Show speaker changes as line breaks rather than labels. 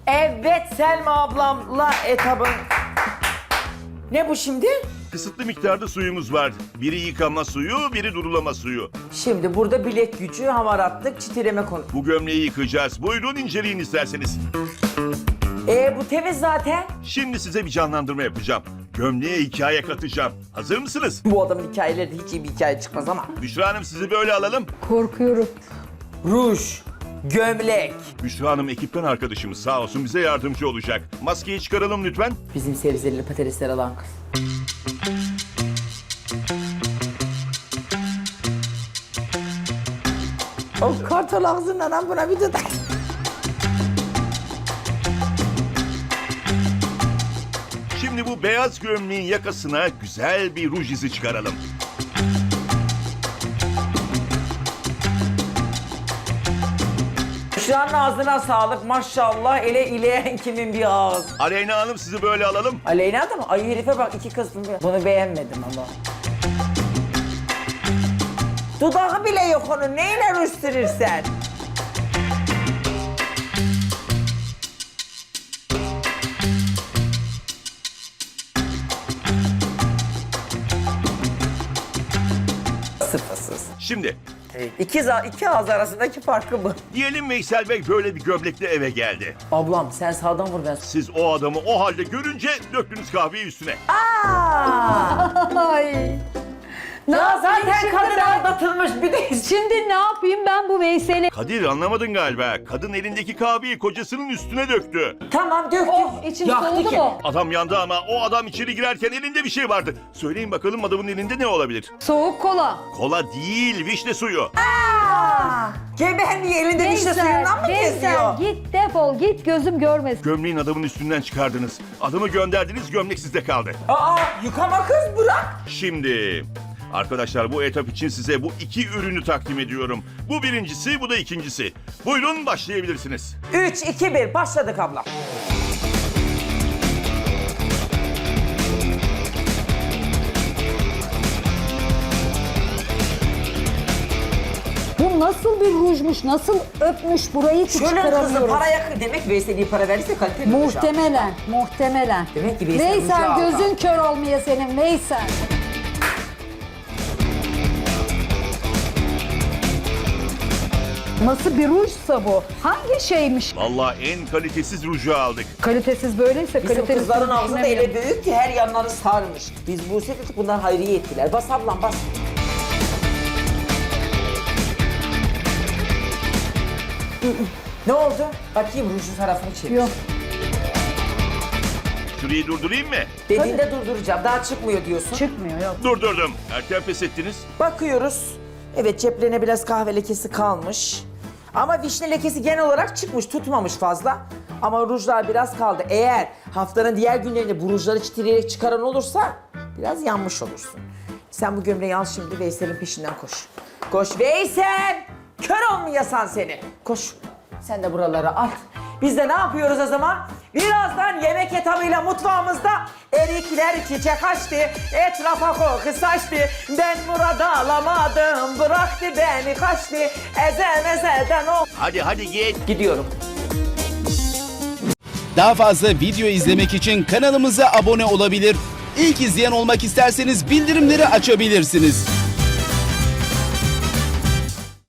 Evet Selma ablamla etabın. Ne bu şimdi?
Kısıtlı miktarda suyumuz var. Biri yıkama suyu, biri durulama suyu.
Şimdi burada bilek gücü, hamaratlık, çitileme konu.
Bu gömleği yıkayacağız. Buyurun inceleyin isterseniz.
Bu temiz zaten.
Şimdi size bir canlandırma yapacağım. Gömleğe hikaye katacağım. Hazır mısınız?
Bu adamın hikayeleri de hiç iyi bir hikaye çıkmaz ama.
Büşra Hanım sizi böyle alalım.
Korkuyorum.
Ruj, gömlek.
Büşra Hanım ekipten arkadaşımız sağ olsun bize yardımcı olacak. Maskeyi çıkaralım lütfen.
Bizim sebzeli patatesler alan kız. O kartal ağzından buna bir dudak.
Şimdi bu beyaz gömleğin yakasına güzel bir ruj izi çıkaralım.
Şu an ağzına sağlık maşallah. Ele ileyen kimin bir ağız.
Aleyna Hanım sizi böyle alalım.
Aleyna da mı? Ay herife bak iki kızım. Bunu beğenmedim ama. Dudağı bile yok onun. Neyle rüstürürsen? Sıfırsız.
Şimdi
Evet. İki ağız arasındaki farkı bu.
diyelim Veysel Bey böyle bir gömlekle eve geldi.
Ablam sen sağdan vur ben.
Siz o adamı o halde görünce döktünüz kahveyi üstüne.
Ay. Ne
Ya
yapayım
zaten
şimdi
kadın
ben?
aldatılmış bir de.
Şimdi ne yapayım ben bu Veysel'i?
Kadir anlamadın galiba. Kadın elindeki kahveyi kocasının üstüne döktü.
Tamam döktük.
Oh, içim
Yaktı
soğudu
ki.
mu?
Adam yandı ama o adam içeri girerken elinde bir şey vardı. Söyleyin bakalım adamın elinde ne olabilir?
Soğuk kola.
Kola değil, vişne suyu.
Geberliği elinde vişne suyundan mı kesiyor?
Git defol git gözüm görmesin.
Gömleğin adamın üstünden çıkardınız. Adamı gönderdiniz, gömlek sizde kaldı.
Yıkama kız bırak.
Şimdi arkadaşlar bu etap için size bu iki ürünü takdim ediyorum. Bu birincisi, bu da ikincisi. Buyurun başlayabilirsiniz.
3, 2, 1 başladık abla.
Bu nasıl bir rujmuş, nasıl öpmüş burayı ki
Şöyle kızım
çıkaramıyorum.
paraya demek Veysel'e para verirse kaliteli olacak.
Muhtemelen.
Demek ki Veysel
Veysel
ruju
gözün
aldı.
kör olmaya senin Veysel. Nasıl bir rujsa bu? Hangi şeymiş?
Vallahi en kalitesiz ruju aldık.
Kalitesiz böyleyse
Bizim
kalitesiz
kızların ağzı da
düşünemiyorum.
ele büyük ki her yanları sarmış. Biz bu sefer bundan hayriye ettiler. Bas ablam bas. Ne oldu? Bakayım rujun tarafını çevir.
Yok.
Şurayı durdurayım mı?
Dediğinde durduracağım. Daha çıkmıyor diyorsun.
Çıkmıyor yok.
Durdurdum. Erken pes ettiniz.
Bakıyoruz. Evet ceplerine biraz kahve lekesi kalmış. Ama vişne lekesi genel olarak çıkmış, tutmamış fazla. Ama rujlar biraz kaldı. Eğer haftanın diğer günlerinde bu rujları çitileyerek çıkaran olursa biraz yanmış olursun. Sen bu gömleği al şimdi Veysel'in peşinden koş. Koş Veysel! Kör olmayasan seni. Koş. Sen de buraları al. Biz de ne yapıyoruz o zaman? Birazdan yemek etabıyla mutfağımızda erikler çiçek açtı, etrafa koku saçtı. Ben burada alamadım, bıraktı beni kaçtı. Ezeden ol.
Hadi git.
Gidiyorum.
Daha fazla video izlemek için kanalımıza abone olabilir. İlk izleyen olmak isterseniz bildirimleri açabilirsiniz.